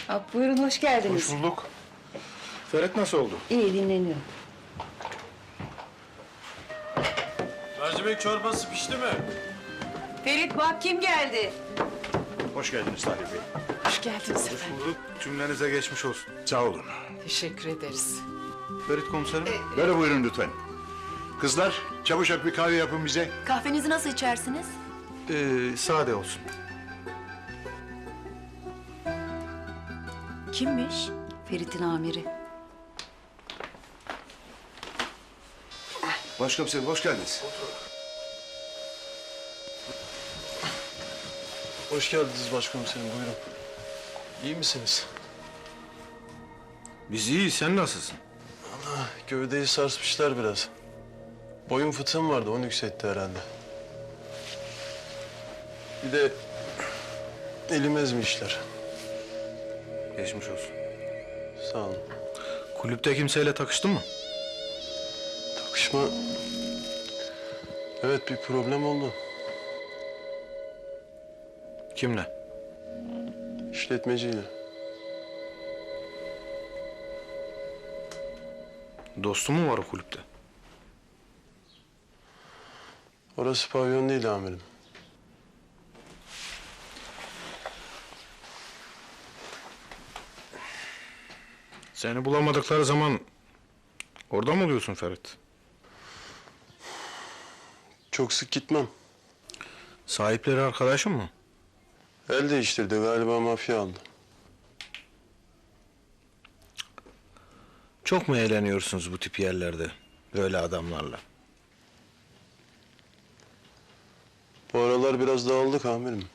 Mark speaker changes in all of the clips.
Speaker 1: Buyurun, hoş geldiniz.
Speaker 2: Hoş bulduk. Ferhat nasıl oldu?
Speaker 1: İyi, dinleniyor.
Speaker 3: Mercimek çorbası pişti mi?
Speaker 1: Ferit bak kim geldi?
Speaker 2: Hoş geldiniz Tahir Bey.
Speaker 4: Hoş geldiniz efendim.
Speaker 2: Bulduk. Cümlenize geçmiş olsun. Sağ olun.
Speaker 4: Teşekkür ederiz.
Speaker 2: Ferit komiserim.
Speaker 5: Böyle buyurun lütfen. Kızlar, çabucak bir kahve yapın bize.
Speaker 6: Kahvenizi nasıl içersiniz?
Speaker 2: Sade olsun.
Speaker 6: Kimmiş?
Speaker 1: Ferit'in amiri.
Speaker 5: Başkomiserim, hoş geldiniz.
Speaker 3: Hoş geldiniz başkomiserim, buyurun. İyi misiniz?
Speaker 2: Biz iyiyiz. Sen nasılsın?
Speaker 3: Gövdeyi sarsmışlar biraz. Boyun fıtığım vardı, onu yükseltti herhalde. Bir de elim ezmişler.
Speaker 2: Geçmiş olsun.
Speaker 3: Sağ olun.
Speaker 2: Kulüpte kimseyle takıştın mı?
Speaker 3: Takışma... Evet, bir problem oldu.
Speaker 2: Kimle?
Speaker 3: İşletmeciyle.
Speaker 2: Dostun mu var o kulüpte?
Speaker 3: Orası pavyon değil amirim.
Speaker 2: Seni bulamadıkları zaman orada mı oluyorsun Ferit?
Speaker 3: Çok sık gitmem.
Speaker 2: Sahipleri arkadaşın mı?
Speaker 3: El değiştirdi, galiba mafya aldı.
Speaker 2: Çok mu eğleniyorsunuz bu tip yerlerde? Böyle adamlarla.
Speaker 3: Bu aralar biraz dağıldık amirim.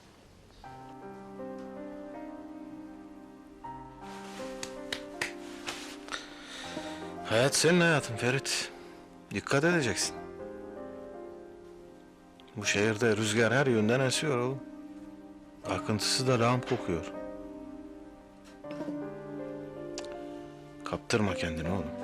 Speaker 2: Hayat senin hayatın Ferit. Dikkat edeceksin. Bu şehirde rüzgar her yönden esiyor oğlum. Akıntısı da lağım kokuyor. Kaptırma kendini oğlum.